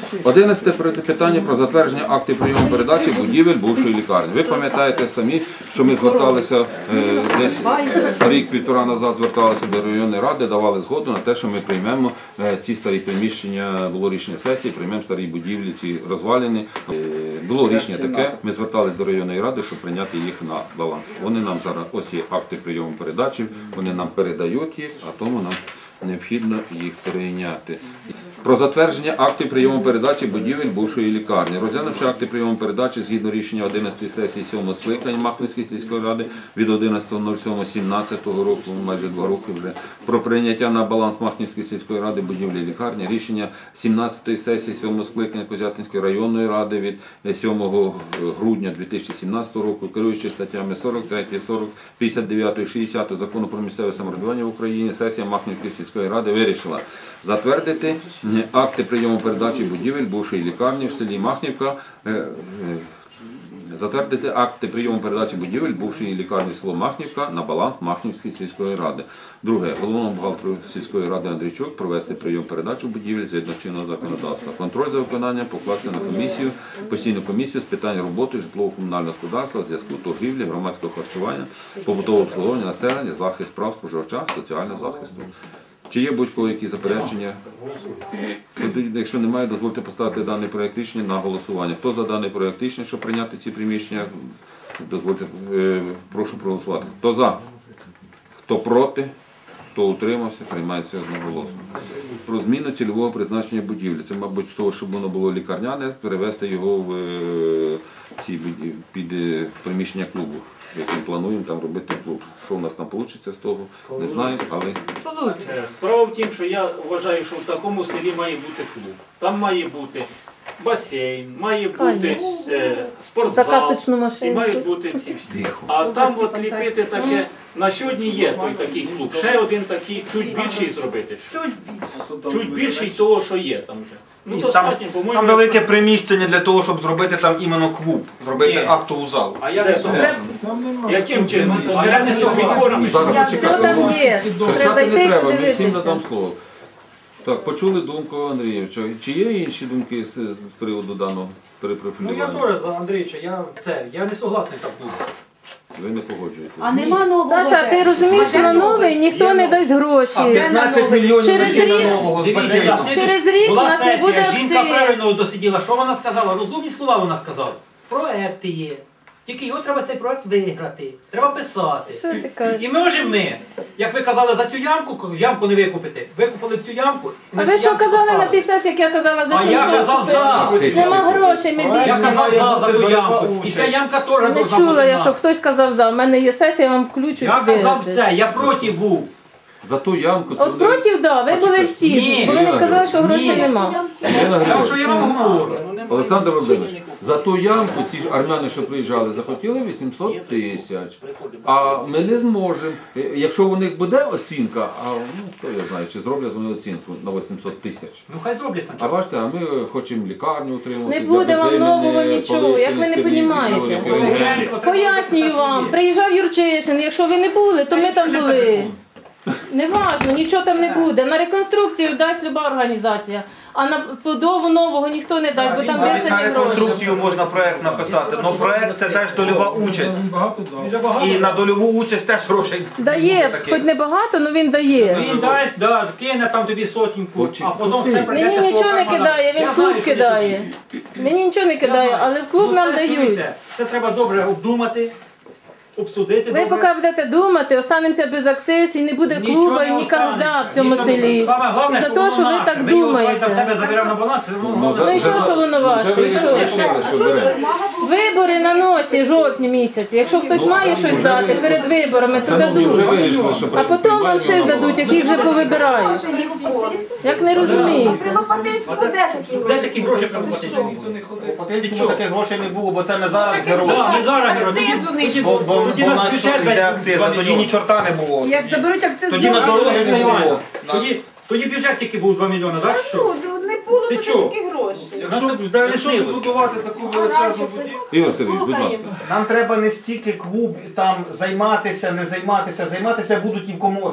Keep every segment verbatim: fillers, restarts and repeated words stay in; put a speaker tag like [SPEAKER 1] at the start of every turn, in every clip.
[SPEAKER 1] Одинадцяте питання про затвердження актів прийому передачі будівель бувшої лікарні. Ви пам'ятаєте самі, що ми зверталися е, десь рік-півтора назад, зверталися до районної ради, давали згоду на те, що ми приймемо е, ці старі приміщення, було рішення сесії, приймемо старі будівлі, ці розвалені. Е, було рішення таке, ми зверталися до районної ради, щоб прийняти їх на баланс. Вони нам зараз, ось є акти прийому передачі, вони нам передають їх, а тому нам необхідно їх прийняти. Про затвердження актів прийому передачі будівель бувшої лікарні. Розглянувши акти прийому передачі згідно рішення одинадцятої сесії сьомого скликання Махновської сільської ради від одинадцятого сьомого сімнадцятого року, майже два роки вже, про прийняття на баланс Махновської сільської ради будівлі лікарні, рішення сімнадцятої сесії сьомого скликання Козятинської районної ради від сьомого грудня дві тисячі сімнадцятого року, керуючи статтями сорок три, сорок, п'ятдесят дев'ять, шістдесят Закону про місцеве самоврядування в Україні, сесія Махновської сільської ради вирішила затвердити акти прийому передачі будівель бувшої лікарні в селі Махнівка, затвердити акти прийому передачі будівель бувшої лікарні село Махнівка на баланс Махнівської сільської ради. Друге, головному бухгалтеру сільської ради Андрійчук провести прийом передачі будівель згідно чинного законодавства. Контроль за виконанням покласти на комісію, постійну комісію з питань роботи житлово-комунального господарства, зв'язку, торгівлі, громадського харчування, побутового обслуговування населення, захист прав споживача, соціального захисту. Чи є будь-кого які заперечення? Якщо немає, дозвольте поставити даний проєкт рішення на голосування. Хто за даний проєкт рішення, щоб прийняти ці приміщення? Дозвольте, прошу проголосувати. Хто за? Хто проти? Хто утримався? Приймається одноголосно. Про зміну цільового призначення будівлі. Це, мабуть, того, щоб воно було лікарняне, перевести його в ці під приміщення клубу, яким плануємо там робити клуб. Що у нас там вийде з того, не знаю, але...
[SPEAKER 2] Справа в тім, що я вважаю, що в такому селі має бути клуб. Там має бути басейн, має бути е, спортзал, і мають бути ці всі. А там от ліпити таке, на сьогодні є той такий клуб. Ще один такий, чуть більший зробити. Чуть більший того, що є там вже. Ну,
[SPEAKER 3] Ні,
[SPEAKER 2] достатньо,
[SPEAKER 3] там,
[SPEAKER 2] по-моєму,
[SPEAKER 3] там велике приміщення для того, щоб зробити там іменно клуб, зробити
[SPEAKER 2] Ні.
[SPEAKER 3] актову залу.
[SPEAKER 2] А я не согласен. Яким чином? Посередньо з підборами?
[SPEAKER 1] Все
[SPEAKER 4] там є.
[SPEAKER 1] Кричати не треба, ми всім надам слово. Так, почули думку Андрійовича. Чи є інші думки з, з приводу даного
[SPEAKER 5] Ну я
[SPEAKER 1] перепрофілювання?
[SPEAKER 5] теж за Андрійовича, я в це, я не согласний так буде.
[SPEAKER 1] Ви не погоджуєтесь?
[SPEAKER 4] А нема нового.
[SPEAKER 6] Саша, ти розумієш, що на новий ніхто не дасть гроші.
[SPEAKER 3] А п'ятнадцять мільйонів
[SPEAKER 6] Через
[SPEAKER 3] на
[SPEAKER 6] рік-
[SPEAKER 3] нового з
[SPEAKER 7] Дивіться,
[SPEAKER 3] басейном.
[SPEAKER 7] власне,
[SPEAKER 6] Через рік у
[SPEAKER 7] була
[SPEAKER 6] нас не буде
[SPEAKER 7] сесія, жінка
[SPEAKER 6] акциз.
[SPEAKER 7] правильно досиділа. Що вона сказала? Розумні слова вона сказала. Проекти є. Тільки його треба цей проект виграти. Треба писати.
[SPEAKER 6] Що ти кажеш?
[SPEAKER 7] І можемо ми, як ви казали за цю ямку, ямку не викупити. Викупили цю ямку. і
[SPEAKER 6] А
[SPEAKER 7] на
[SPEAKER 6] ви
[SPEAKER 7] цю
[SPEAKER 6] що
[SPEAKER 7] ямку
[SPEAKER 6] казали на
[SPEAKER 7] поставили.
[SPEAKER 6] тій сесії, як я казала за
[SPEAKER 7] А я
[SPEAKER 6] сімсот
[SPEAKER 7] казав за.
[SPEAKER 6] купити? Нема грошей, ми
[SPEAKER 7] Я
[SPEAKER 6] бідні.
[SPEAKER 7] казав за, за ту
[SPEAKER 3] Бере
[SPEAKER 7] ямку. І
[SPEAKER 3] участь.
[SPEAKER 7] ця ямка теж
[SPEAKER 6] Не
[SPEAKER 7] должна
[SPEAKER 6] чула
[SPEAKER 7] бути
[SPEAKER 6] я, що
[SPEAKER 7] наша.
[SPEAKER 6] хтось казав за. У мене є сесія, я вам включу.
[SPEAKER 7] Я
[SPEAKER 6] і
[SPEAKER 7] казав
[SPEAKER 6] подивитесь.
[SPEAKER 7] це, я проти був.
[SPEAKER 1] За ту ямку... то
[SPEAKER 6] От
[SPEAKER 1] вони-
[SPEAKER 6] проти, да, ви були всі.
[SPEAKER 7] Ні.
[SPEAKER 6] Бо ви не казали, що грошей
[SPEAKER 7] Ні.
[SPEAKER 6] нема.
[SPEAKER 1] Ірина
[SPEAKER 7] Тому що я вам
[SPEAKER 1] Григорівна,
[SPEAKER 7] говорю.
[SPEAKER 1] Олександр Володимирович, за ту ямку ці ж армяни, що приїжджали, захотіли вісімсот тисяч. А ми не зможемо. Е, Якщо у них буде оцінка, а ну, хто я знає, чи зроблять вони оцінку на вісімсот тисяч.
[SPEAKER 7] Ну хай зроблять
[SPEAKER 1] А
[SPEAKER 7] спочатку.
[SPEAKER 1] бачите, а ми хочемо лікарню утримувати.
[SPEAKER 6] Не буде вам
[SPEAKER 1] для
[SPEAKER 6] нового
[SPEAKER 1] безземельні,
[SPEAKER 6] нічого, як ви не
[SPEAKER 1] полиці,
[SPEAKER 6] понімаєте.
[SPEAKER 1] листівки, листівки.
[SPEAKER 6] Пояснюю вам, приїжджав Юрчишин, якщо ви не були, то ми там були. Неважно, нічого там не буде. На реконструкцію дасть люба організація, а на побудову нового ніхто не дасть, бо там
[SPEAKER 3] Навіть
[SPEAKER 6] більше
[SPEAKER 3] на
[SPEAKER 6] не грошей.
[SPEAKER 3] реконструкцію можна проект написати, але проект це теж дольова участь. І на дольову участь теж грошей.
[SPEAKER 6] Дає,
[SPEAKER 3] таке.
[SPEAKER 6] хоч не багато, але він дає.
[SPEAKER 7] Він дасть, да, кине там тобі сотеньку, а потім все прийдеться
[SPEAKER 6] Мені
[SPEAKER 7] свого
[SPEAKER 6] нічого не
[SPEAKER 7] кармана.
[SPEAKER 6] кидає, він
[SPEAKER 7] Я
[SPEAKER 6] в
[SPEAKER 7] знаю,
[SPEAKER 6] клуб
[SPEAKER 7] що
[SPEAKER 6] кидає.
[SPEAKER 7] тобі.
[SPEAKER 6] Мені нічого не
[SPEAKER 7] Я
[SPEAKER 6] кидає,
[SPEAKER 7] знаю.
[SPEAKER 6] але в клуб
[SPEAKER 7] Ну,
[SPEAKER 6] нам
[SPEAKER 7] все,
[SPEAKER 6] дають.
[SPEAKER 7] чуєте, це треба добре обдумати, обсудити.
[SPEAKER 6] Ви
[SPEAKER 7] добре.
[SPEAKER 6] поки будете думати, останемося без акциз і не буде
[SPEAKER 7] Нічого
[SPEAKER 6] клуба і
[SPEAKER 7] не
[SPEAKER 6] ніколи
[SPEAKER 7] останеться.
[SPEAKER 6] в цьому
[SPEAKER 7] Нічого не-
[SPEAKER 6] селі.
[SPEAKER 7] Саме головне,
[SPEAKER 6] І за
[SPEAKER 7] що
[SPEAKER 6] те,
[SPEAKER 7] воно
[SPEAKER 6] що ви
[SPEAKER 7] наше.
[SPEAKER 6] так
[SPEAKER 7] Ми його давайте в
[SPEAKER 6] думаєте.
[SPEAKER 7] себе заберемо на баланс, воно головне.
[SPEAKER 6] Ну і що, що воно ваше? І що? Вибори на носі, жовтні місяці. Якщо хтось має щось дати перед виборами, то
[SPEAKER 1] Шановні, вже
[SPEAKER 6] дадуть.
[SPEAKER 1] вирішили, що
[SPEAKER 6] А потім вам ще ж дадуть, яких вже повибирають. Як не розумію.
[SPEAKER 4] При Лопатинську де такі
[SPEAKER 7] Де такі гроші проплатити?
[SPEAKER 3] Потім таких грошей не було, бо це не зараз герої.
[SPEAKER 7] А, не зараз, Геро, тоді-
[SPEAKER 4] Акцизу не
[SPEAKER 7] тоді-
[SPEAKER 3] Бо, бо,
[SPEAKER 7] тоді
[SPEAKER 3] бо
[SPEAKER 7] на
[SPEAKER 3] нас
[SPEAKER 7] бюджет
[SPEAKER 3] йде
[SPEAKER 7] весь
[SPEAKER 3] акциз,
[SPEAKER 7] два
[SPEAKER 3] а тоді
[SPEAKER 7] мільйони.
[SPEAKER 3] ні чорта не було.
[SPEAKER 4] Як заберуть акциз,
[SPEAKER 3] Тоді на
[SPEAKER 4] знову-
[SPEAKER 3] дороги
[SPEAKER 7] Олексій
[SPEAKER 3] не
[SPEAKER 7] Іванович,
[SPEAKER 3] було.
[SPEAKER 7] Тоді, тоді бюджет тільки був два мільйони, так? чи що?
[SPEAKER 4] Ну, не було
[SPEAKER 7] Ти
[SPEAKER 4] тут
[SPEAKER 7] чого?
[SPEAKER 4] таких грошей.
[SPEAKER 7] Якщо
[SPEAKER 3] Якщо будувати таку величезну будівлю,
[SPEAKER 1] Ігор Сергійович, будь ласка.
[SPEAKER 3] нам треба не стільки клуб там займатися, не займатися, займатися будуть і в коморці.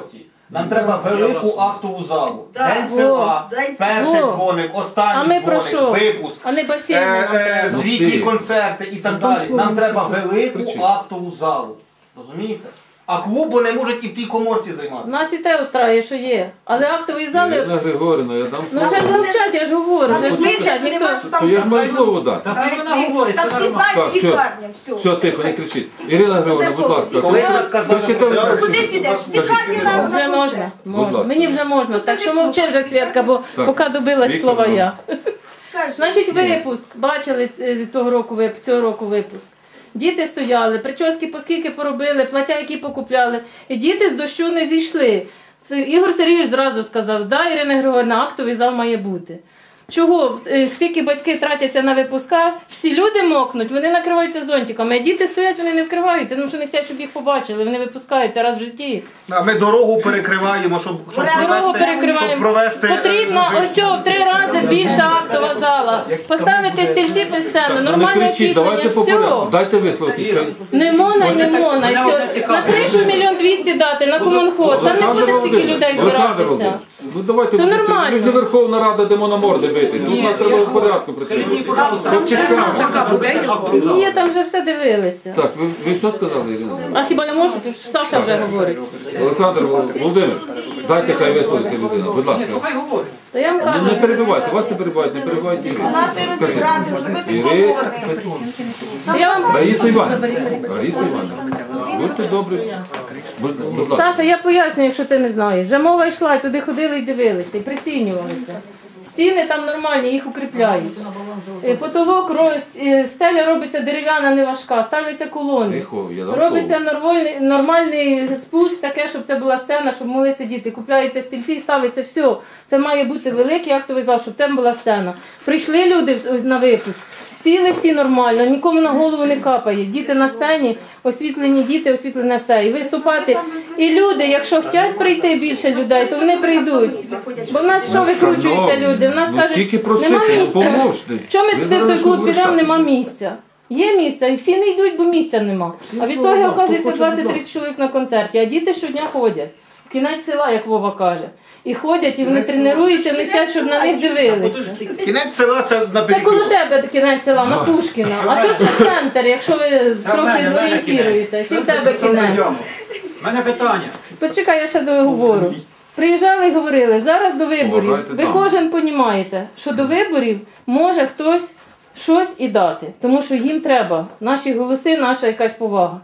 [SPEAKER 3] Нам треба велику актову залу.
[SPEAKER 4] Да.
[SPEAKER 3] День села,
[SPEAKER 4] О, день села.
[SPEAKER 3] перший
[SPEAKER 6] О.
[SPEAKER 3] дзвоник,
[SPEAKER 6] А
[SPEAKER 3] останній
[SPEAKER 6] ми про що?
[SPEAKER 3] дзвоник, випуск,
[SPEAKER 6] А не басейн
[SPEAKER 3] е,
[SPEAKER 6] нам
[SPEAKER 3] е,
[SPEAKER 6] треба.
[SPEAKER 3] звітні
[SPEAKER 1] Ти.
[SPEAKER 3] концерти і так далі. Нам треба велику актову залу. Розумієте? А клубу не можуть і в тій коморці
[SPEAKER 6] У
[SPEAKER 3] займатися.
[SPEAKER 6] нас і те устраює, що є. Але актової зали.
[SPEAKER 1] Ірина Григорівна, я дам
[SPEAKER 6] Ну
[SPEAKER 1] слово.
[SPEAKER 6] вже ж мовчать, я ж говорю, вже ж
[SPEAKER 4] Ви
[SPEAKER 6] мовчать,
[SPEAKER 4] не
[SPEAKER 6] ніхто.
[SPEAKER 4] можете
[SPEAKER 1] То
[SPEAKER 4] там.
[SPEAKER 1] я ж маю слово дати.
[SPEAKER 7] Та хай вона говорить,
[SPEAKER 4] Та
[SPEAKER 7] все
[SPEAKER 4] всі
[SPEAKER 7] нормально.
[SPEAKER 4] знають
[SPEAKER 1] Так, все.
[SPEAKER 4] лікарня, все.
[SPEAKER 1] Все, тихо, не кричіть. Ірина Григорівна, будь ласка.
[SPEAKER 3] Коли ви казали,
[SPEAKER 1] Кричите, ви
[SPEAKER 3] що
[SPEAKER 4] Куди
[SPEAKER 1] кричите.
[SPEAKER 4] підеш?
[SPEAKER 1] Скажіть,
[SPEAKER 4] Лікарні
[SPEAKER 1] Ірина.
[SPEAKER 4] на
[SPEAKER 6] Вже можна, можна.
[SPEAKER 1] ласка.
[SPEAKER 6] Мені вже можна. Так що мовчи вже, Святка, бо
[SPEAKER 1] Так.
[SPEAKER 6] поки добилась
[SPEAKER 1] Віктор,
[SPEAKER 6] слова
[SPEAKER 1] ну.
[SPEAKER 6] я.
[SPEAKER 4] Кажуть,
[SPEAKER 6] Значить, випуск. Бачили е, того року вип- цього року випуск. Діти стояли, прически по скільки поробили, плаття, які покупляли. І діти з дощу не зійшли. Це Ігор Сергійович зразу сказав, да, Ірина Григорівна, актовий зал має бути. Чого? Е, Стільки батьки тратяться на випуска, всі люди мокнуть, вони накриваються зонтиками, а діти стоять, вони не вкриваються, тому що не хочуть, щоб їх побачили, вони випускаються раз в житті.
[SPEAKER 3] А ми дорогу перекриваємо, щоб, щоб,
[SPEAKER 6] Дорогу
[SPEAKER 3] провести, щоб
[SPEAKER 6] перекриваємо.
[SPEAKER 3] провести...
[SPEAKER 6] Потрібна
[SPEAKER 3] е,
[SPEAKER 6] ось о, в три рази більша актова зала. Поставити стільці під сцену,
[SPEAKER 1] Ну, не
[SPEAKER 6] нормальне
[SPEAKER 1] кричіть, давайте
[SPEAKER 6] освітлення,
[SPEAKER 1] по порядку.
[SPEAKER 6] все.
[SPEAKER 1] Дайте висловитися.
[SPEAKER 6] Не можна, і не можна. і
[SPEAKER 7] Мене
[SPEAKER 6] все.
[SPEAKER 7] одне цікаве.
[SPEAKER 6] На кришу мільйон двісті дати, на комунхоз. Там не буде стільки
[SPEAKER 1] Володимирович,
[SPEAKER 6] людей
[SPEAKER 1] Олександр
[SPEAKER 6] збиратися.
[SPEAKER 1] Володимирович, ну давайте,
[SPEAKER 6] То
[SPEAKER 1] ви-
[SPEAKER 6] нормально.
[SPEAKER 1] ми ж не Верховна Рада, де на морди бити. Тут у нас треба в порядку
[SPEAKER 7] Скажіть мені,
[SPEAKER 1] працювати.
[SPEAKER 7] пожалуйста,
[SPEAKER 1] Там чекаємо.
[SPEAKER 7] така буде актовий зал.
[SPEAKER 6] Є, там вже все дивилися.
[SPEAKER 1] Так, ви, ви що сказали, Ірина?
[SPEAKER 6] А хіба я можу? Тому що Саша вже говорить.
[SPEAKER 1] Олександр Володимирович, дайте хай висловиться людина, будь ласка.
[SPEAKER 7] Ні, то хай говорить.
[SPEAKER 6] То я вам
[SPEAKER 1] Ну, не
[SPEAKER 6] кажу.
[SPEAKER 1] перебивайте, вас не перебивають, не перебивайте Ірину. Скажіть. Іри...
[SPEAKER 6] Я вам...
[SPEAKER 1] Раїса Іванівна, Раїса Іванівна, будьте добрі. Будь, будь ласка.
[SPEAKER 6] Саша, я поясню, якщо ти не знаєш. Вже мова йшла, і туди ходили і дивилися, і прицінювалися. Стіни там нормальні, їх укріпляють. Е, Потолок, роз- е, стеля робиться дерев'яна, не важка, ставляться колони.
[SPEAKER 1] Тихо, я дам
[SPEAKER 6] Робиться
[SPEAKER 1] слово.
[SPEAKER 6] нормальний, нормальний спуск, таке, щоб це була сцена, щоб могли сидіти. Купляються стільці і ставиться все. Це має бути великий актовий зал, щоб там була сцена. Прийшли люди в- на випуск, сіли всі нормально, нікому на голову не капає. Діти на сцені, освітлені діти, освітлене все. І виступати. І люди, якщо хочуть прийти більше людей, то вони прийдуть. Бо в нас що викручуються люди? В нас
[SPEAKER 1] Ну, скільки
[SPEAKER 6] кажуть, нема
[SPEAKER 1] просити, ну,
[SPEAKER 6] місця.
[SPEAKER 1] поможете.
[SPEAKER 6] Чому ми
[SPEAKER 1] Ви
[SPEAKER 6] туди в той
[SPEAKER 1] зараз
[SPEAKER 6] клуб
[SPEAKER 1] говорите.
[SPEAKER 6] підемо, нема місця? Є місце, і всі не йдуть, бо місця нема. А відтоді,
[SPEAKER 1] ну,
[SPEAKER 6] оказується,
[SPEAKER 1] хто хоче, будь
[SPEAKER 6] двадцять-тридцять чоловік на концерті, а діти щодня ходять. В кінець села, як Вова каже. І ходять, і вони тренуються, вони хочуть, щоб на них дивилися.
[SPEAKER 3] Кінець села це на
[SPEAKER 6] Це коло
[SPEAKER 3] перекур.
[SPEAKER 6] тебе кінець села, на Пушкіна. А тут ще центр, якщо ви
[SPEAKER 7] Це в
[SPEAKER 6] трохи
[SPEAKER 7] мене, в мене
[SPEAKER 6] орієнтуєтесь. І в тебе
[SPEAKER 7] Це
[SPEAKER 6] кінець.
[SPEAKER 7] прийом. У мене питання.
[SPEAKER 6] Почекай, я ще договорю. Приїжджали і говорили, зараз до виборів.
[SPEAKER 1] Поважайте
[SPEAKER 6] Ви
[SPEAKER 1] дам.
[SPEAKER 6] кожен розумієте, що до виборів може хтось щось і дати. Тому що їм треба наші голоси, наша якась повага.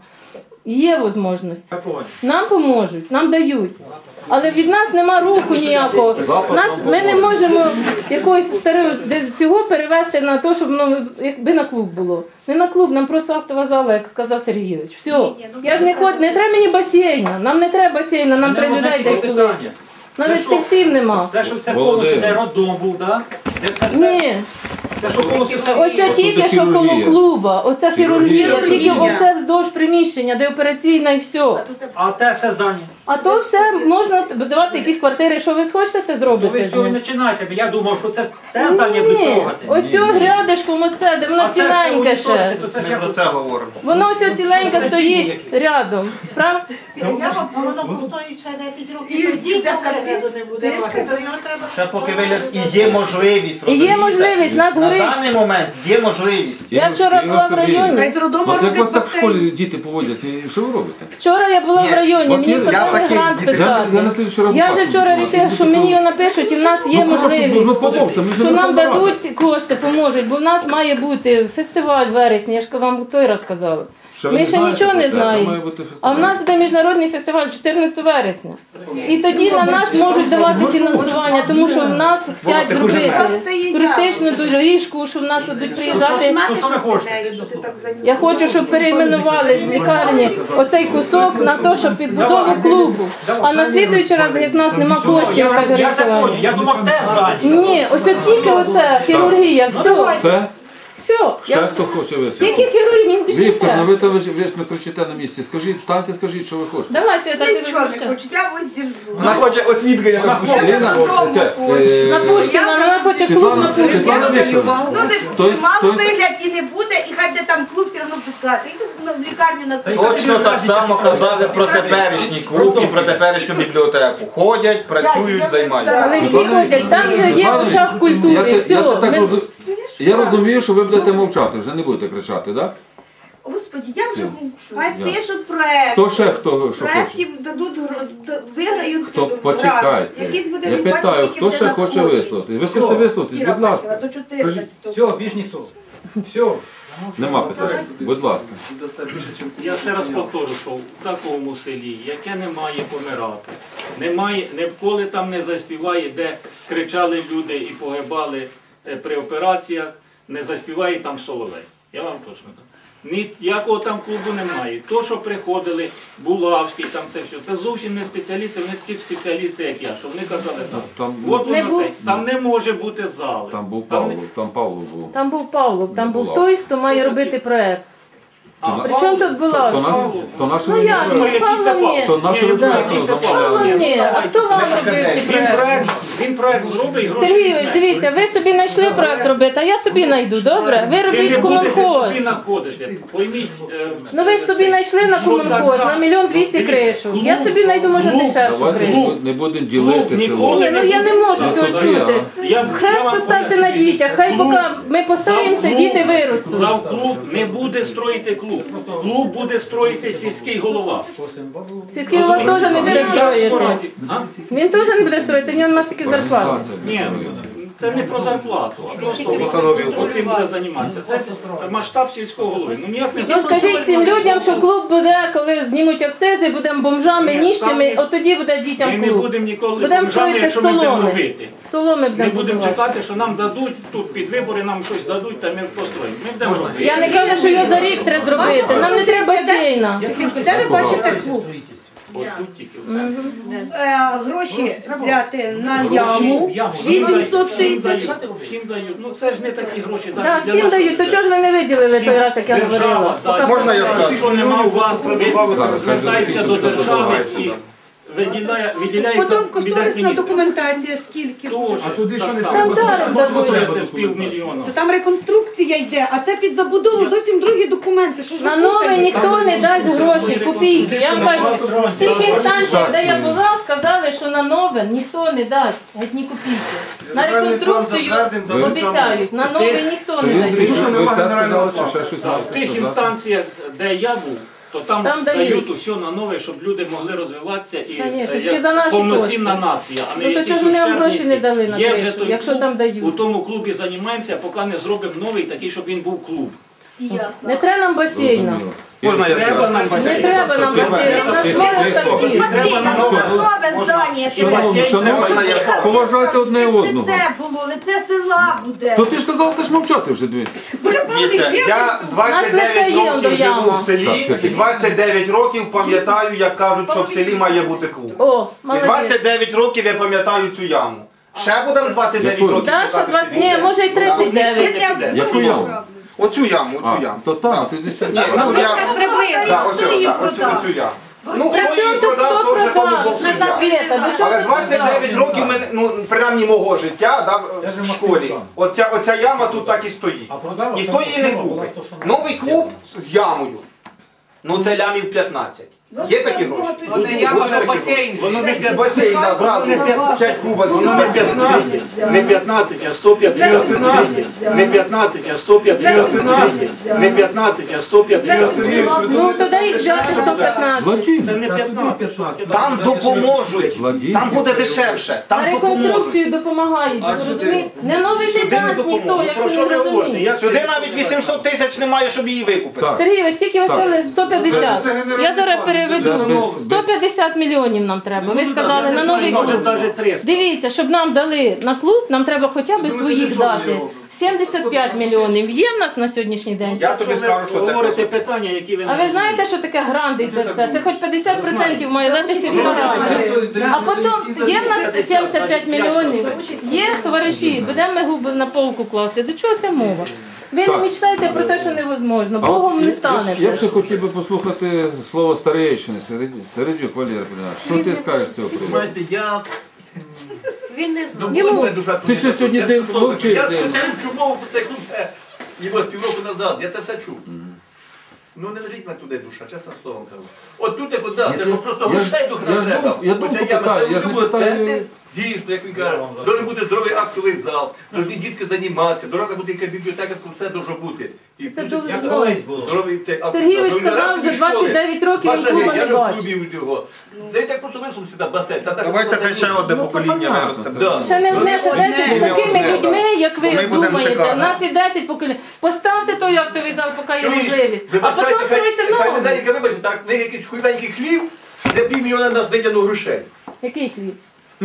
[SPEAKER 6] Є можливість.
[SPEAKER 7] Я понял.
[SPEAKER 6] Нам поможуть, нам дають. Але від нас нема руху ніякого. Нас, ми не можемо якогось старого де- цього перевести на те, щоб ну, якби на клуб було. Не на клуб, нам просто актова зала, як сказав Сергійович. Все. Я ж не ход, не треба мені басейна. Нам не треба басейна, нам
[SPEAKER 7] Мене
[SPEAKER 6] треба
[SPEAKER 7] одне
[SPEAKER 6] людей
[SPEAKER 7] тільки
[SPEAKER 6] десь туди.
[SPEAKER 7] питання.
[SPEAKER 6] Навіть
[SPEAKER 7] Це що?
[SPEAKER 6] стільців нема.
[SPEAKER 7] Це що це
[SPEAKER 1] Володимир.
[SPEAKER 7] повністю де роддом був, так? Де це все?
[SPEAKER 6] Ні.
[SPEAKER 7] Це що повністю все.
[SPEAKER 6] Ось це тільки що коло
[SPEAKER 1] хірургія.
[SPEAKER 6] клуба. Оце хірургія,
[SPEAKER 1] Хірургія.
[SPEAKER 6] тільки оце вздовж приміщення, де операційна і все.
[SPEAKER 7] А те все здання.
[SPEAKER 6] А то все можна давати якісь квартири, що ви схочете, те
[SPEAKER 7] То
[SPEAKER 6] зробите.
[SPEAKER 7] ви
[SPEAKER 6] з
[SPEAKER 7] сьогодні
[SPEAKER 6] ним.
[SPEAKER 7] починаєте. Я думав, що це те здання буде
[SPEAKER 6] Ні,
[SPEAKER 7] трогати.
[SPEAKER 6] ось цього рядишком оце, де воно
[SPEAKER 7] А це все
[SPEAKER 6] ціленьке
[SPEAKER 7] унічтожити,
[SPEAKER 6] ще.
[SPEAKER 7] то це ж
[SPEAKER 3] Ми
[SPEAKER 7] як
[SPEAKER 3] про це говоримо.
[SPEAKER 6] Воно ось ціленьке стоїть рядом. Прав?
[SPEAKER 8] Я вам воно постоїть ще десять років. І дійсно перегляду не буде.
[SPEAKER 4] Тишки.
[SPEAKER 8] То його треба.
[SPEAKER 3] Ще поки вигляд і є можливість,
[SPEAKER 6] І є
[SPEAKER 3] розумієте?
[SPEAKER 6] можливість, нас
[SPEAKER 3] На
[SPEAKER 6] горить.
[SPEAKER 3] даний момент є можливість.
[SPEAKER 6] Я вчора була в районі.
[SPEAKER 8] Хай з роддому
[SPEAKER 1] От як вас
[SPEAKER 8] роблять
[SPEAKER 1] так в школі
[SPEAKER 8] басейн.
[SPEAKER 1] діти поводять, і що ви робите?
[SPEAKER 6] Вчора я була
[SPEAKER 3] Ні,
[SPEAKER 6] в районі,
[SPEAKER 1] вас
[SPEAKER 6] мені
[SPEAKER 1] є-
[SPEAKER 6] сказали
[SPEAKER 3] я такий
[SPEAKER 6] грант
[SPEAKER 3] дітей-
[SPEAKER 6] писати.
[SPEAKER 1] Я- я на слідчий раз
[SPEAKER 6] Я
[SPEAKER 1] вас
[SPEAKER 6] вже вчора
[SPEAKER 1] буду
[SPEAKER 6] вирішила, що мені його напишуть і в нас є
[SPEAKER 1] Ну, прошу,
[SPEAKER 6] можливість.
[SPEAKER 1] ну, помогте, ми ж
[SPEAKER 6] Що
[SPEAKER 1] не
[SPEAKER 6] нам
[SPEAKER 1] Верховна Рада.
[SPEAKER 6] дадуть кошти, поможуть, бо в нас має бути фестиваль в вересні, я ж вам той раз казала.
[SPEAKER 1] Що ви
[SPEAKER 6] Ми
[SPEAKER 1] не
[SPEAKER 6] ще
[SPEAKER 1] знаєте
[SPEAKER 6] нічого
[SPEAKER 1] про
[SPEAKER 6] не
[SPEAKER 1] це? Там має
[SPEAKER 6] знаємо.
[SPEAKER 1] бути
[SPEAKER 6] А в
[SPEAKER 1] фестиваль.
[SPEAKER 6] нас буде міжнародний фестиваль чотирнадцятого вересня. І тоді на нас можуть давати фінансування, тому що в нас хочуть зробити туристичну доріжку, що в нас тут будуть приїжджати.
[SPEAKER 7] То що ви хочете?
[SPEAKER 6] Я хочу, щоб перейменували з лікарні оцей кусок на те, щоб підбудову клубу. А на слідуючий раз, як в нас нема коштів,
[SPEAKER 7] Я,
[SPEAKER 6] каже
[SPEAKER 7] я це понял.
[SPEAKER 6] Рисування.
[SPEAKER 7] Я думав, те здання.
[SPEAKER 6] Ні, ось от тільки оце хірургія, все.
[SPEAKER 1] Все?
[SPEAKER 6] Все, Все.
[SPEAKER 1] Ще
[SPEAKER 6] Я...
[SPEAKER 1] хто хоче висловити?
[SPEAKER 6] Тільки хірург, він більше не
[SPEAKER 1] Віктор, ну
[SPEAKER 6] треба.
[SPEAKER 1] ви там ви ж ви ж не кричите на місці. Скажіть, встаньте, скажіть, що ви хочете.
[SPEAKER 6] Давай, Свята, ти
[SPEAKER 4] Нічого не
[SPEAKER 6] розпочни.
[SPEAKER 4] хочу, я ось держу.
[SPEAKER 3] Вона хоче освітлення на
[SPEAKER 4] Я вже
[SPEAKER 1] Ліна,
[SPEAKER 4] додому
[SPEAKER 1] це,
[SPEAKER 4] хочу.
[SPEAKER 1] е,
[SPEAKER 6] На Пушкіна, вона хоче клуб на
[SPEAKER 1] Світлана, Світлана
[SPEAKER 6] Пушкіна.
[SPEAKER 1] Вікторівна.
[SPEAKER 4] Ну, не
[SPEAKER 1] Тобто-
[SPEAKER 4] мало
[SPEAKER 1] тобто-
[SPEAKER 4] вигляд і не буде, і хай де там клуб все одно пускати. Йду ну, в лікарню на клуб.
[SPEAKER 3] Точно так само казали про теперішній клуб і про теперішню бібліотеку. Ходять, працюють, займаються.
[SPEAKER 6] Але всі ходять, там вже є очах
[SPEAKER 1] Я
[SPEAKER 6] культури,
[SPEAKER 1] це, я,
[SPEAKER 6] все.
[SPEAKER 1] це так
[SPEAKER 6] Ми-
[SPEAKER 1] розу- я розумію, що ви будете мовчати, вже не будете кричати, так? Да?
[SPEAKER 4] Господи, я вже
[SPEAKER 1] Я.
[SPEAKER 4] мовчу.
[SPEAKER 8] Хай
[SPEAKER 1] Я.
[SPEAKER 8] пишуть проект.
[SPEAKER 1] Хто ще хто що хоче?
[SPEAKER 8] Проектів дадуть, гро- д- виграють
[SPEAKER 1] Хто
[SPEAKER 8] грант.
[SPEAKER 1] почекайте?
[SPEAKER 8] Якийсь буде
[SPEAKER 1] Я
[SPEAKER 8] бачити,
[SPEAKER 1] питаю,
[SPEAKER 8] скільки
[SPEAKER 1] хто
[SPEAKER 8] буде
[SPEAKER 1] ще хоче
[SPEAKER 8] надходжень.
[SPEAKER 1] висловити? Ви хочете висловитись,
[SPEAKER 4] Іра
[SPEAKER 1] будь
[SPEAKER 4] бачила,
[SPEAKER 1] ласка.
[SPEAKER 4] до чотирнадцятого.
[SPEAKER 7] Все, більш ніхто. Все.
[SPEAKER 1] Нема питань. Будь ласка.
[SPEAKER 2] Я ще раз повторю, що в такому селі, яке не має помирати, немає, ніколи там не заспіває, де кричали люди і погибали е, при операціях, не заспіває там Соловей. Я вам точно кажу. Ніякого там клубу немає. То, що приходили, Булавський, там це все, це зовсім не спеціалісти, вони такі спеціалісти, як я, що вони казали так.
[SPEAKER 1] Там,
[SPEAKER 2] От
[SPEAKER 6] Не
[SPEAKER 2] воно
[SPEAKER 6] був-
[SPEAKER 2] це. Там не може бути зали.
[SPEAKER 1] там був
[SPEAKER 2] не-
[SPEAKER 1] Павло, там Павло був.
[SPEAKER 6] Там був Павлов, там
[SPEAKER 1] Не
[SPEAKER 6] був
[SPEAKER 1] була.
[SPEAKER 6] той, хто має робити проект.
[SPEAKER 2] А,
[SPEAKER 6] Причому тут була?
[SPEAKER 1] То наш, то наш
[SPEAKER 6] Ну я
[SPEAKER 2] Ну,
[SPEAKER 6] ж,
[SPEAKER 2] який це
[SPEAKER 6] Павло
[SPEAKER 2] Павло?
[SPEAKER 6] ні.
[SPEAKER 1] То нашу
[SPEAKER 2] Ні, ну,
[SPEAKER 1] редакцію
[SPEAKER 2] який це
[SPEAKER 1] замовляли.
[SPEAKER 6] Павло
[SPEAKER 2] Ні,
[SPEAKER 6] ні,
[SPEAKER 2] ну,
[SPEAKER 6] а
[SPEAKER 2] давайте.
[SPEAKER 6] хто вам робив цей
[SPEAKER 2] Він
[SPEAKER 6] проект?
[SPEAKER 2] проект, він проект зробить і гроші
[SPEAKER 6] Сергійович,
[SPEAKER 2] візьме.
[SPEAKER 6] дивіться, ви собі знайшли проект робити, а я собі знайду, добре? Ви
[SPEAKER 2] Ви
[SPEAKER 6] робіть
[SPEAKER 2] не будете
[SPEAKER 6] комунхоз.
[SPEAKER 2] собі знаходити. Пойміть. е,
[SPEAKER 6] Ну ви ж собі
[SPEAKER 2] це.
[SPEAKER 6] знайшли на
[SPEAKER 2] Що
[SPEAKER 6] комунхоз,
[SPEAKER 2] така?
[SPEAKER 6] на мільйон двісті
[SPEAKER 2] Дивіться,
[SPEAKER 6] кришу.
[SPEAKER 2] клуб,
[SPEAKER 6] Я собі знайду, може,
[SPEAKER 2] клуб,
[SPEAKER 6] дешевшу
[SPEAKER 1] Давайте не
[SPEAKER 6] кришу.
[SPEAKER 1] буд- не будемо ділити село.
[SPEAKER 2] ніколи
[SPEAKER 6] Ні, ну я не можу
[SPEAKER 1] На
[SPEAKER 6] цього
[SPEAKER 1] суді,
[SPEAKER 6] чути.
[SPEAKER 2] Я- я
[SPEAKER 6] Хрест
[SPEAKER 2] вам
[SPEAKER 6] поставте на
[SPEAKER 2] поясню.
[SPEAKER 6] дітях, хай
[SPEAKER 2] Клуб-
[SPEAKER 6] поки ми постараємося,
[SPEAKER 2] Зав
[SPEAKER 6] діти
[SPEAKER 2] клуб-
[SPEAKER 6] виростуть.
[SPEAKER 2] Зав клуб не буде строїти клуб. Клуб буде строїти сільський голова.
[SPEAKER 6] Сільський голова теж не буде строїти.
[SPEAKER 2] А?
[SPEAKER 6] Він теж не буде строїти, в нього нема стільки зарплати.
[SPEAKER 2] Ні, це не про зарплату, а просто оцим буде займатися. Це масштаб сільського голови. Ну ніяк не
[SPEAKER 6] Ну скажіть цим людям, що клуб буде, коли знімуть акцизи, будемо бомжами,
[SPEAKER 2] Ні,
[SPEAKER 6] ніщими,
[SPEAKER 2] там
[SPEAKER 6] от тоді буде дітям
[SPEAKER 2] Ми не
[SPEAKER 6] клуб.
[SPEAKER 2] будемо ніколи
[SPEAKER 6] Будемо
[SPEAKER 2] бомжами,
[SPEAKER 6] строїти
[SPEAKER 2] якщо ми будемо
[SPEAKER 6] соломи.
[SPEAKER 2] робити.
[SPEAKER 6] Соломи
[SPEAKER 2] Ми
[SPEAKER 6] будемо
[SPEAKER 2] будемо
[SPEAKER 6] будувати.
[SPEAKER 2] чекати, що нам дадуть тут під вибори, нам щось дадуть, та ми построїмо. Ми будемо робити.
[SPEAKER 6] Я не кажу, що його за рік треба зробити. Нам не треба басейна.
[SPEAKER 8] Де ви бачите клуб?
[SPEAKER 2] Ось тут тільки оце.
[SPEAKER 8] Е, Гроші взяти на
[SPEAKER 2] Гроші.
[SPEAKER 8] яму вісімсот
[SPEAKER 2] Всім
[SPEAKER 8] тисяч.
[SPEAKER 2] дають, всім дають. Ну це ж не такі гроші. навіть
[SPEAKER 6] Так,
[SPEAKER 2] для
[SPEAKER 6] всім
[SPEAKER 2] нашого
[SPEAKER 6] дають. То
[SPEAKER 2] бюджету.
[SPEAKER 6] чого ж ви не виділили той раз, як я
[SPEAKER 2] Держава
[SPEAKER 6] говорила?
[SPEAKER 2] дасть.
[SPEAKER 3] Можна я скажу?
[SPEAKER 2] Якщо нема у вас, ви
[SPEAKER 1] Зараз,
[SPEAKER 2] звертається
[SPEAKER 1] зараз,
[SPEAKER 2] до
[SPEAKER 1] зараз,
[SPEAKER 2] держави
[SPEAKER 1] зараз.
[SPEAKER 2] і виділяє, виділяє
[SPEAKER 8] Потім
[SPEAKER 2] кабінет
[SPEAKER 8] кошторисна
[SPEAKER 2] міністрів.
[SPEAKER 8] документація скільки?
[SPEAKER 2] А туди що не
[SPEAKER 6] Там даром дадуть.
[SPEAKER 2] з півмільйона.
[SPEAKER 8] То там реконструкція йде, а це під забудову зовсім другі документи. Що ж ви
[SPEAKER 6] На нове
[SPEAKER 8] путаєте?
[SPEAKER 6] ніхто не дасть гроші, копійки. Я вам кажу, в всіх інстанціях, де я була, сказали, що на нове ніхто не дасть, геть ні копійки. На реконструкцію обіцяють, на нове ніхто не
[SPEAKER 1] Він
[SPEAKER 6] дасть.
[SPEAKER 1] прийшов, ви все сказали, чи ще щось
[SPEAKER 2] В
[SPEAKER 1] маєте
[SPEAKER 2] тих
[SPEAKER 1] сказати?
[SPEAKER 2] інстанціях, де я був, то там,
[SPEAKER 6] Там дають.
[SPEAKER 2] дають усе на нове, щоб люди могли розвиватися і
[SPEAKER 6] Конечно,
[SPEAKER 2] е,
[SPEAKER 6] тільки
[SPEAKER 2] як
[SPEAKER 6] за наші
[SPEAKER 2] повноцінна
[SPEAKER 6] кошти.
[SPEAKER 2] нація, а не
[SPEAKER 6] Ну, то
[SPEAKER 2] якісь
[SPEAKER 6] чого ж вони вам
[SPEAKER 2] ущербниці.
[SPEAKER 6] гроші не дали на
[SPEAKER 2] Є вже
[SPEAKER 6] кришу,
[SPEAKER 2] той
[SPEAKER 6] якщо
[SPEAKER 2] клуб,
[SPEAKER 6] там дають?
[SPEAKER 2] У тому клубі займаємося, поки не зробимо новий такий, щоб він був клуб.
[SPEAKER 6] Не треба нам басейна.
[SPEAKER 1] Зрозуміло.
[SPEAKER 3] Можна я
[SPEAKER 2] Треба
[SPEAKER 3] скажу?
[SPEAKER 2] нам
[SPEAKER 6] Не
[SPEAKER 2] басейн.
[SPEAKER 6] треба нам басейна, у нас море ставків.
[SPEAKER 4] Басейн, нам
[SPEAKER 2] нове.
[SPEAKER 4] нове здання.
[SPEAKER 1] Шановні, шановні,
[SPEAKER 3] Можна я
[SPEAKER 1] поважайте одне одного.
[SPEAKER 4] Це було, лице села буде.
[SPEAKER 1] То ти ж казав, теж мовчати вже дві.
[SPEAKER 4] Вже
[SPEAKER 3] Дивіться, я двадцять дев'ять
[SPEAKER 6] є
[SPEAKER 3] років
[SPEAKER 6] до
[SPEAKER 3] живу
[SPEAKER 6] яма.
[SPEAKER 3] в селі,
[SPEAKER 1] Так,
[SPEAKER 3] і двадцять дев'ять років пам'ятаю, як кажуть, що в селі має бути клуб.
[SPEAKER 6] О,
[SPEAKER 3] І
[SPEAKER 6] молодець.
[SPEAKER 3] двадцять дев'ять років я пам'ятаю цю яму. Ще будемо двадцять дев'ять
[SPEAKER 1] Яку?
[SPEAKER 3] років
[SPEAKER 6] Да, що
[SPEAKER 3] чекати
[SPEAKER 6] два...
[SPEAKER 3] ці
[SPEAKER 6] Ні,
[SPEAKER 3] люди?
[SPEAKER 6] може й тридцять дев'ять.
[SPEAKER 1] Яку яму?
[SPEAKER 3] Оцю яму,
[SPEAKER 1] А,
[SPEAKER 3] оцю яму.
[SPEAKER 1] то так, ти десь
[SPEAKER 3] Ні, ну я... Так, ось ось, так, оцю, оцю яму. Ну,
[SPEAKER 6] При
[SPEAKER 3] хто
[SPEAKER 6] чому
[SPEAKER 3] її
[SPEAKER 6] тут
[SPEAKER 3] продав,
[SPEAKER 6] хто
[SPEAKER 3] то вже тому
[SPEAKER 6] продав?
[SPEAKER 3] Бог суддя.
[SPEAKER 6] Света, до чого
[SPEAKER 3] Але
[SPEAKER 6] тут
[SPEAKER 3] двадцять дев'ять
[SPEAKER 6] продав?
[SPEAKER 3] років, мене, ну, принаймні мого життя да, в школі, оця, оця яма тут так і стоїть. Ніхто її не купить. Новий клуб з ямою. Ну це лямів п'ятнадцять. Є такі гроші?
[SPEAKER 4] Вони
[SPEAKER 3] яма, а басейн.
[SPEAKER 2] Воно не п'ятнадцять.
[SPEAKER 3] Басейн, да, зразу. п'ять куба
[SPEAKER 2] Воно не п'ятнадцять, не п'ятнадцять, а сто п'ятдесят. Не п'ятнадцять, а сто п'ятдесят. Не п'ятнадцять, а сто п'ятдесят.
[SPEAKER 6] Ну, тоді їх взяти сто п'ятнадцять.
[SPEAKER 1] Владимир,
[SPEAKER 2] Це не п'ятнадцять.
[SPEAKER 3] Там допоможуть.
[SPEAKER 1] Владимир.
[SPEAKER 3] Там буде дешевше.
[SPEAKER 6] На
[SPEAKER 3] Там допоможуть.
[SPEAKER 6] реконструкцію допомагають, ви розумієте? Не новий не
[SPEAKER 3] Сюди не
[SPEAKER 6] дасть ніхто,
[SPEAKER 3] допомогуть.
[SPEAKER 6] як
[SPEAKER 2] Про
[SPEAKER 6] ви
[SPEAKER 2] що
[SPEAKER 6] не
[SPEAKER 2] ви говорите?
[SPEAKER 6] розумієте.
[SPEAKER 2] Як
[SPEAKER 3] Сюди
[SPEAKER 2] це-
[SPEAKER 3] навіть вісімсот тисяч немає, щоб її викупити.
[SPEAKER 1] Так.
[SPEAKER 6] Сергій, ви скільки ви сказали? сто п'ятдесят. Я зараз
[SPEAKER 1] Це
[SPEAKER 6] переведу.
[SPEAKER 1] без-
[SPEAKER 6] сто п'ятдесят мільйонів нам треба. Ви сказали на новий
[SPEAKER 2] Може
[SPEAKER 6] клуб.
[SPEAKER 2] навіть триста.
[SPEAKER 6] Дивіться, щоб нам дали на клуб, нам треба хоча б своїх дати. сімдесят п'ять мільйонів є в нас на сьогоднішній день.
[SPEAKER 3] Я тобі скажу, що
[SPEAKER 2] говорите
[SPEAKER 3] таке.
[SPEAKER 2] питання, які ви не
[SPEAKER 6] А ви знаєте, що таке гранди це все? Це хоч п'ятдесят відсотків має дати сільська рада. А потім є в нас сімдесят п'ять мільйонів, є товариші, будемо ми губи на полку класти. До чого ця мова? Ви не мечтаєте про те, що невозможно. Богом не
[SPEAKER 1] Я
[SPEAKER 6] станеться.
[SPEAKER 1] б ще хотів би послухати слово старейшини, Середюк Валерій Петрович. Що ти скажеш з цього приводу?
[SPEAKER 9] Знаєте, я...
[SPEAKER 4] Він не знає.
[SPEAKER 6] Йому-
[SPEAKER 9] Мене душа
[SPEAKER 1] Ти що сьогодні
[SPEAKER 9] чесно
[SPEAKER 1] день
[SPEAKER 9] слово,
[SPEAKER 1] вчив,
[SPEAKER 9] Я
[SPEAKER 1] день?
[SPEAKER 9] це чув мову про цей клуб ще ніби півроку назад, я це все чув. Ну не лежить мене туди душа, чесно словом кажу. От тут як да, це ж просто
[SPEAKER 1] я ж-
[SPEAKER 9] грошей дух
[SPEAKER 1] я
[SPEAKER 9] не
[SPEAKER 1] ж
[SPEAKER 9] треба.
[SPEAKER 1] думав- я думав,
[SPEAKER 9] Оця яма,
[SPEAKER 1] питаю,
[SPEAKER 9] це
[SPEAKER 1] я ж не
[SPEAKER 9] учбовий
[SPEAKER 1] питаю-
[SPEAKER 9] центр, дійсно, як він каже, має бути здоровий актовий зал, повинні дітки займатися, дорога буде яка бібліотека, тут все може бути. І
[SPEAKER 6] Це
[SPEAKER 9] плюс
[SPEAKER 6] дуже
[SPEAKER 9] як
[SPEAKER 6] знову.
[SPEAKER 9] колись було. Здоровий цей актовий
[SPEAKER 6] Сергійович
[SPEAKER 9] зал.
[SPEAKER 6] сказав, вже двадцять дев'ять років він
[SPEAKER 9] Ваша
[SPEAKER 6] клуба
[SPEAKER 9] геть,
[SPEAKER 6] не
[SPEAKER 9] я ж в
[SPEAKER 6] бачить.
[SPEAKER 9] клубі у нього. Це так просто висунувся на басейн. Там так
[SPEAKER 3] Давайте
[SPEAKER 9] басейн
[SPEAKER 3] хай ще
[SPEAKER 9] дуже.
[SPEAKER 3] одне
[SPEAKER 1] Ну,
[SPEAKER 3] покоління
[SPEAKER 1] понятно.
[SPEAKER 3] виросте.
[SPEAKER 9] Да.
[SPEAKER 6] Ще не вміє, що десять з такими
[SPEAKER 3] одне,
[SPEAKER 6] людьми, як
[SPEAKER 3] Ми
[SPEAKER 6] ви
[SPEAKER 3] будемо
[SPEAKER 6] думаєте.
[SPEAKER 3] чекати.
[SPEAKER 6] У нас і десять поколінь. Поставте той актовий зал, поки є
[SPEAKER 9] Чуєш?
[SPEAKER 6] можливість. А
[SPEAKER 9] Вибачайте,
[SPEAKER 6] потім стройте
[SPEAKER 9] хай- Хай не
[SPEAKER 6] новий.
[SPEAKER 9] дай, вибачте, так, не якийсь хуйвенький хлів, де півмільйона нас витягнув грошей.
[SPEAKER 6] Який хліб?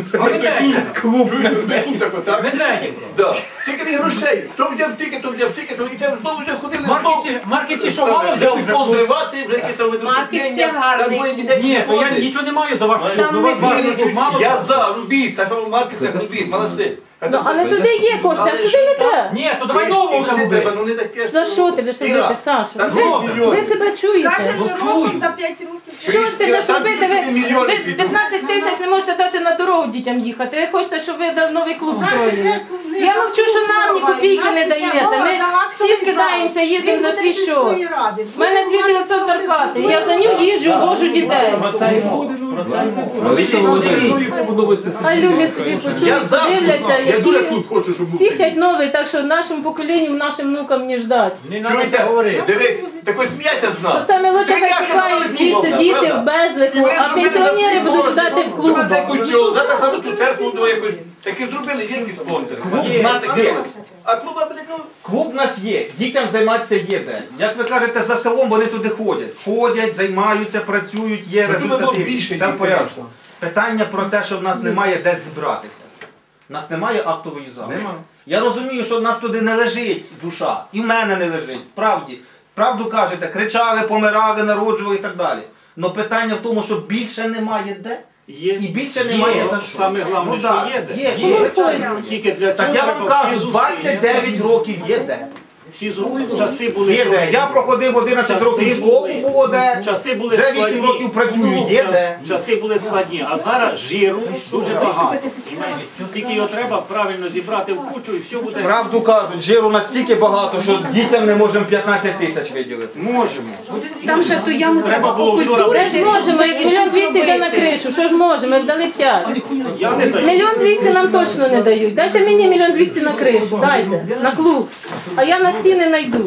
[SPEAKER 9] Клуб, клуб такий, так?
[SPEAKER 7] Медведів.
[SPEAKER 9] Да. Скільки він грошей? То взяв стільки, то взяв стільки, то і це знову вже ходили.
[SPEAKER 7] Маркеті, маркеті що мало взяв вже?
[SPEAKER 9] Позривати, вже якісь там
[SPEAKER 4] Маркет це гарний.
[SPEAKER 7] Ні, то я нічого не маю за вашу клуб. Ну,
[SPEAKER 4] не
[SPEAKER 7] ваш клуб мало.
[SPEAKER 9] Я за, робіть, так само маркет це робіть, молодці.
[SPEAKER 6] Ну, але туди є кошти, а сюди не треба.
[SPEAKER 7] Ні, то давай нового там
[SPEAKER 9] не треба,
[SPEAKER 7] робити.
[SPEAKER 9] ну не таке.
[SPEAKER 6] За що ти будеш робити, Саша? Ви, ви себе чуєте?
[SPEAKER 4] Каже,
[SPEAKER 7] Ну,
[SPEAKER 4] роком
[SPEAKER 7] чую.
[SPEAKER 4] за п'ять років.
[SPEAKER 6] Що ж ти будеш
[SPEAKER 9] Там
[SPEAKER 6] робити? Ви,
[SPEAKER 9] мільйони
[SPEAKER 6] ви
[SPEAKER 9] підуть.
[SPEAKER 6] п'ятнадцять тисяч не можете дати на дорогу дітям їхати. Ви хочете, щоб ви дав новий клуб строїли. Я мовчу, що нам ні копійки не даєте. Ми всі скидаємося, їздимо за свій шоу. У мене дві дев'ятсот зарплати. Я за нього їжджу, вожу дітей.
[SPEAKER 7] Про це й мова. Про це й мова.
[SPEAKER 1] Лариса Володимирівна, мені подобається
[SPEAKER 6] Хай
[SPEAKER 1] Сергій
[SPEAKER 6] люди
[SPEAKER 1] Михайлович.
[SPEAKER 6] собі
[SPEAKER 9] Я
[SPEAKER 6] почують,
[SPEAKER 9] за,
[SPEAKER 6] подивляться,
[SPEAKER 9] я дуже
[SPEAKER 6] які
[SPEAKER 9] клуб хочу, щоб був.
[SPEAKER 6] всі хочуть новий, так що нашому поколінню, нашим внукам не ждать.
[SPEAKER 7] Не треба це
[SPEAKER 9] Чуєте?
[SPEAKER 7] говорити.
[SPEAKER 9] Дивись, так ось сміяться з
[SPEAKER 6] То
[SPEAKER 9] нас.
[SPEAKER 6] саме лучше хай
[SPEAKER 9] Бляха,
[SPEAKER 6] тікають
[SPEAKER 9] вони
[SPEAKER 6] звідси
[SPEAKER 9] клубом,
[SPEAKER 6] діти
[SPEAKER 9] правда?
[SPEAKER 6] в безлику,
[SPEAKER 9] І вони
[SPEAKER 6] а
[SPEAKER 9] зробили
[SPEAKER 6] пенсіонери
[SPEAKER 9] за
[SPEAKER 6] будуть
[SPEAKER 9] кошти.
[SPEAKER 6] ждати в
[SPEAKER 9] Зробили за
[SPEAKER 6] клубах.
[SPEAKER 9] костюм, зараз саме ту церкву до якось. Такі зробили, є якісь спонсори.
[SPEAKER 3] Клуб в нас є.
[SPEAKER 9] А клуба, блядь, ну,
[SPEAKER 3] Клуб в нас є, дітям займатися є де. Як ви кажете, за селом вони туди ходять. Ходять, займаються, працюють, є
[SPEAKER 9] Ну, тут було
[SPEAKER 3] результати.
[SPEAKER 9] більше
[SPEAKER 3] Все в
[SPEAKER 9] дітей,
[SPEAKER 3] порядку.
[SPEAKER 9] звісно.
[SPEAKER 3] Питання про те, що в нас немає де зібратися. У нас немає актової зали.
[SPEAKER 9] Нема.
[SPEAKER 3] Я розумію, що в нас туди не лежить душа. І в мене не лежить. Справді. Правду кажете, кричали, помирали, народжували і так далі. Але питання в тому, що більше немає де.
[SPEAKER 2] Є,
[SPEAKER 3] І більше немає
[SPEAKER 2] є,
[SPEAKER 3] за що.
[SPEAKER 2] Саме головне,
[SPEAKER 3] Ну,
[SPEAKER 2] що
[SPEAKER 3] так,
[SPEAKER 2] є де.
[SPEAKER 3] є,
[SPEAKER 6] Ну,
[SPEAKER 3] є.
[SPEAKER 6] звичайно.
[SPEAKER 2] Тільки для цього
[SPEAKER 3] Так я вам
[SPEAKER 2] треба
[SPEAKER 3] кажу,
[SPEAKER 2] всі зусилля.
[SPEAKER 3] двадцять дев'ять років є де.
[SPEAKER 2] Всі зу- часи були
[SPEAKER 3] Є де.
[SPEAKER 2] трошки-
[SPEAKER 3] Я проходив одинадцять
[SPEAKER 2] часи
[SPEAKER 3] років школу,
[SPEAKER 2] були-
[SPEAKER 3] було де.
[SPEAKER 2] Часи були
[SPEAKER 3] Вже
[SPEAKER 2] складні.
[SPEAKER 3] вісім років працюю, є
[SPEAKER 2] Час-
[SPEAKER 3] де.
[SPEAKER 2] Часи були складні, а зараз жиру дуже багато. Понімаєте? Тільки його треба правильно зібрати в кучу і все буде.
[SPEAKER 3] Правду кажуть, жиру настільки багато, що дітям не можемо п'ятнадцять тисяч виділити.
[SPEAKER 2] Можемо.
[SPEAKER 4] Там ще ту яму
[SPEAKER 2] Треба було вчора.
[SPEAKER 6] Де ж можемо, як мільйон двісті йде на кришу, що ж можемо, як дали п'ять.
[SPEAKER 2] Я не даю.
[SPEAKER 6] Мільйон двісті нам точно не дають. Дайте мені мільйон двісті на кришу, дайте, на клуб. А я на стіни знайду.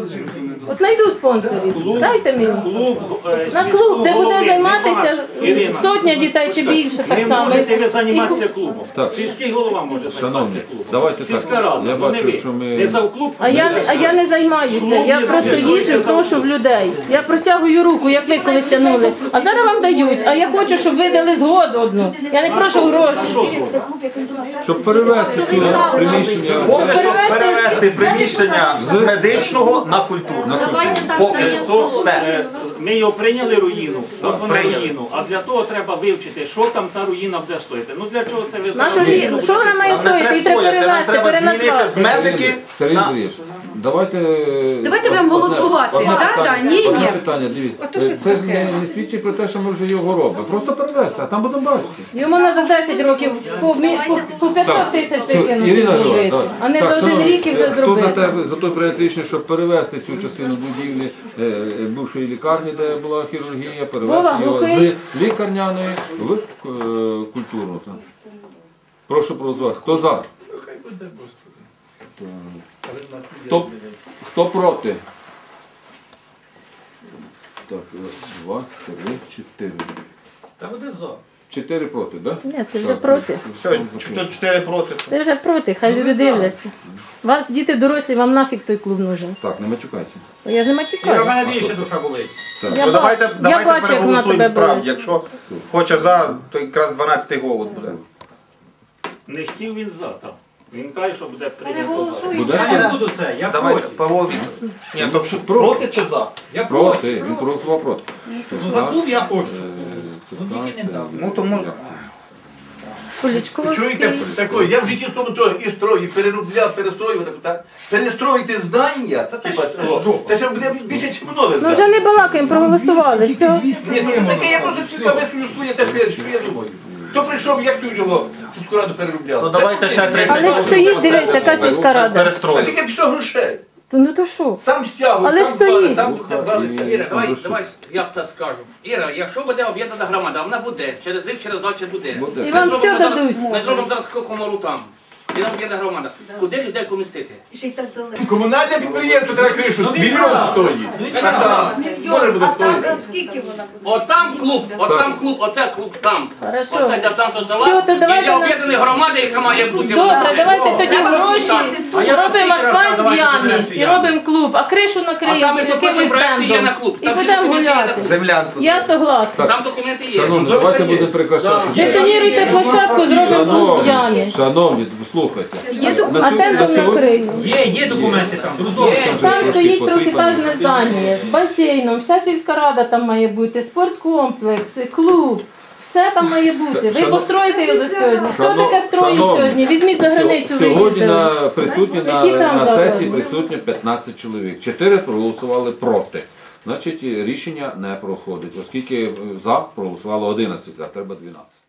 [SPEAKER 6] От знайду спонсорів, дайте мені.
[SPEAKER 2] Клуб, е,
[SPEAKER 6] На
[SPEAKER 2] сільського
[SPEAKER 6] клуб, де буде
[SPEAKER 2] голови
[SPEAKER 6] займатися
[SPEAKER 2] немає. Ірина,
[SPEAKER 6] сотня дітей чи більше, так
[SPEAKER 2] не
[SPEAKER 6] само.
[SPEAKER 2] можете ви
[SPEAKER 6] І-
[SPEAKER 2] займатися клубом.
[SPEAKER 1] Так.
[SPEAKER 2] Сільський голова може
[SPEAKER 1] Шановні,
[SPEAKER 2] займатися клубом.
[SPEAKER 1] давайте так.
[SPEAKER 2] Сільська рада,
[SPEAKER 1] Я
[SPEAKER 2] ну, не
[SPEAKER 1] бачу,
[SPEAKER 2] ви.
[SPEAKER 1] що ми-
[SPEAKER 2] Не за клуб.
[SPEAKER 6] А я, не- а я не займаюся, я просто їжджу, прошу в людей. Я простягую руку, як ви колись тягнули. А зараз вам дають, а я хочу, щоб ви дали згоду одну. Я не прошу гроші.
[SPEAKER 1] Щоб перевести цю приміщення.
[SPEAKER 3] Поки що
[SPEAKER 6] Перевести-
[SPEAKER 3] перевести приміщення з медичного на культурне. Поки що все.
[SPEAKER 2] Е, Ми його прийняли руїну, от вона
[SPEAKER 3] прийняли.
[SPEAKER 2] руїну, а для того треба вивчити, що там та руїна буде стоїти. Ну для чого це ви
[SPEAKER 6] Нашу
[SPEAKER 2] зараз?
[SPEAKER 6] ж, що вона має
[SPEAKER 3] Нам не
[SPEAKER 6] стоїти? Її треба
[SPEAKER 3] стояти, нам
[SPEAKER 6] перевести,
[SPEAKER 3] треба змінити з
[SPEAKER 6] переназвати.
[SPEAKER 3] медики.
[SPEAKER 1] Сергій
[SPEAKER 3] на-
[SPEAKER 1] Андрійович, давайте...
[SPEAKER 4] Давайте будемо
[SPEAKER 1] одне-
[SPEAKER 4] голосувати.
[SPEAKER 1] одне
[SPEAKER 4] Да,
[SPEAKER 1] питання,
[SPEAKER 4] да, ні,
[SPEAKER 1] одне
[SPEAKER 4] ні.
[SPEAKER 1] питання, дивіться.
[SPEAKER 4] Ото щось
[SPEAKER 1] Це ж
[SPEAKER 4] таке.
[SPEAKER 1] не, не свідчить про те, що ми вже його робимо. Просто перевести, а там будемо бачити.
[SPEAKER 6] Йому на за десять років по, мі- по, по п'ятсот тисяч викинути
[SPEAKER 1] Ірина Жора,
[SPEAKER 6] зробити,
[SPEAKER 1] так.
[SPEAKER 6] а не
[SPEAKER 1] Так,
[SPEAKER 6] за один
[SPEAKER 1] шановні,
[SPEAKER 6] рік і вже
[SPEAKER 1] Хто за,
[SPEAKER 6] зробити.
[SPEAKER 1] те, за той проєкт рішення, щоб перевести цю частину будівлі е, е, бувшої лікарні, де була хірургія, перевести
[SPEAKER 6] Вова,
[SPEAKER 1] його
[SPEAKER 6] глухий.
[SPEAKER 1] з лікарняної в е, культурну. Так. Прошу проголосувати. Хто за? Хто, хто проти? Так, раз, два, три, чотири.
[SPEAKER 7] Та буде за.
[SPEAKER 1] Чотири проти, так?
[SPEAKER 6] Ні, ти вже проти.
[SPEAKER 3] Все, чотири проти.
[SPEAKER 6] Ти вже проти, хай люди дивляться. Вас діти дорослі, вам нафіг той клуб нужен.
[SPEAKER 1] Так, не матюкайся.
[SPEAKER 6] Я ж не
[SPEAKER 7] Іра, в
[SPEAKER 6] матюкаю.
[SPEAKER 7] мене більше душа болить.
[SPEAKER 6] Я
[SPEAKER 3] Ну
[SPEAKER 6] бачу,
[SPEAKER 3] давайте,
[SPEAKER 6] я
[SPEAKER 3] давайте
[SPEAKER 6] бачу, як вона
[SPEAKER 3] переголосуємо
[SPEAKER 6] тебе
[SPEAKER 3] справді.
[SPEAKER 6] болить.
[SPEAKER 3] Якщо хоче за, то якраз дванадцятий голос буде.
[SPEAKER 2] Не хотів він за там. Він каже, що буде прийнято.
[SPEAKER 8] Переголосуємо.
[SPEAKER 1] Буде?
[SPEAKER 7] Я не буду це, я
[SPEAKER 3] Давай,
[SPEAKER 7] проти.
[SPEAKER 3] Павло Вікторович. Ні, то що, проти чи за?
[SPEAKER 7] Я проти.
[SPEAKER 1] Проти, він проголосував проти.
[SPEAKER 7] Ну, за клуб я хочу.
[SPEAKER 1] Е,
[SPEAKER 7] Ну, тільки не дав.
[SPEAKER 3] Ну, тому...
[SPEAKER 1] як це?
[SPEAKER 9] Чуєте, такої, я в житті тому то і строю, і переробляв, перестроював, так, перестроїти здання, це, типа, це, це ще буде більше, ніж нове
[SPEAKER 6] Ну
[SPEAKER 9] здання.
[SPEAKER 6] вже не балакаємо, проголосували, все.
[SPEAKER 9] Ні, ну це таке, я просто цікаве своє те, що я, що я думаю. Хто прийшов, як тут його сільську раду переробляли?
[SPEAKER 3] Ну давайте ще тридцять
[SPEAKER 6] Але ж стоїть, дивись, яка сільська рада.
[SPEAKER 9] А скільки пішов грошей?
[SPEAKER 6] То ну то що?
[SPEAKER 9] Там стягують,
[SPEAKER 6] Але
[SPEAKER 9] там
[SPEAKER 6] ж стоїть.
[SPEAKER 9] вали, там валиться.
[SPEAKER 10] Іра, давай, давай я так скажу. Іра, якщо буде об'єднана громада, вона буде. Через рік, через два чи буде.
[SPEAKER 1] Буде.
[SPEAKER 6] І вам
[SPEAKER 10] Ми
[SPEAKER 6] все
[SPEAKER 10] зробимо зараз-
[SPEAKER 6] дадуть.
[SPEAKER 10] Ми зробимо зараз таку комору там. І там об'єднана громада. Куди людей помістити?
[SPEAKER 4] Ще й так далеко.
[SPEAKER 9] Комунальне підприємство треба кришу,
[SPEAKER 7] Ну, він
[SPEAKER 9] мільйон
[SPEAKER 7] прав.
[SPEAKER 9] стоїть.
[SPEAKER 10] Ну,
[SPEAKER 9] Так, так. Може буде
[SPEAKER 4] А там
[SPEAKER 9] стоїти.
[SPEAKER 4] е, скільки вона буде?
[SPEAKER 10] От там клуб, от там клуб, оце клуб там.
[SPEAKER 6] Хорошо.
[SPEAKER 10] Оце для там, що
[SPEAKER 6] Все,
[SPEAKER 10] села.
[SPEAKER 6] то
[SPEAKER 10] І
[SPEAKER 6] давайте
[SPEAKER 10] для
[SPEAKER 6] на-
[SPEAKER 10] об'єднаної громади, яка має бути.
[SPEAKER 6] Добре, давайте тоді гроші,
[SPEAKER 7] А я
[SPEAKER 6] робимо
[SPEAKER 7] вас
[SPEAKER 6] асфальт в
[SPEAKER 7] давайте
[SPEAKER 6] ямі
[SPEAKER 7] заберемо цю
[SPEAKER 6] і
[SPEAKER 7] яму.
[SPEAKER 6] робимо клуб, а кришу
[SPEAKER 10] А там
[SPEAKER 6] накриємо
[SPEAKER 10] і то
[SPEAKER 6] якимось
[SPEAKER 10] потім проєкти є на
[SPEAKER 6] стендом.
[SPEAKER 10] клуб.
[SPEAKER 6] І
[SPEAKER 10] Там всі
[SPEAKER 6] будемо
[SPEAKER 10] документи є на
[SPEAKER 6] гуляти.
[SPEAKER 10] клуб.
[SPEAKER 3] Землянку.
[SPEAKER 6] Я согласна.
[SPEAKER 10] Там документи є.
[SPEAKER 1] Шановні,
[SPEAKER 9] Ну,
[SPEAKER 1] давайте
[SPEAKER 9] це є.
[SPEAKER 1] будемо прекращати.
[SPEAKER 6] Детоніруйте площадку, зробимо клуб в ямі.
[SPEAKER 1] Шановні, слухайте. На
[SPEAKER 6] А
[SPEAKER 1] сьогодні-
[SPEAKER 6] тендом
[SPEAKER 1] на сьогодні-
[SPEAKER 6] накрию.
[SPEAKER 7] Є, є документи там, друзі.
[SPEAKER 10] Є.
[SPEAKER 6] Там
[SPEAKER 1] трошки
[SPEAKER 6] стоїть
[SPEAKER 1] потрібно.
[SPEAKER 6] трьохетажне здання з басейном, вся сільська рада там має бути, спорткомплекс, клуб. Все там має бути. Ви
[SPEAKER 1] Шано-
[SPEAKER 6] построїте його за сьогодні. Хто
[SPEAKER 1] Шано-
[SPEAKER 6] таке строїть
[SPEAKER 1] шановні,
[SPEAKER 6] сьогодні? Візьміть за границю,
[SPEAKER 1] Сьогодні
[SPEAKER 6] виїздили.
[SPEAKER 1] на присутні на,
[SPEAKER 6] Які там
[SPEAKER 1] на
[SPEAKER 6] закони?
[SPEAKER 1] сесії присутні п'ятнадцять чоловік. Чотири проголосували проти. Значить, рішення не проходить, оскільки за проголосувало одинадцять, а треба дванадцять.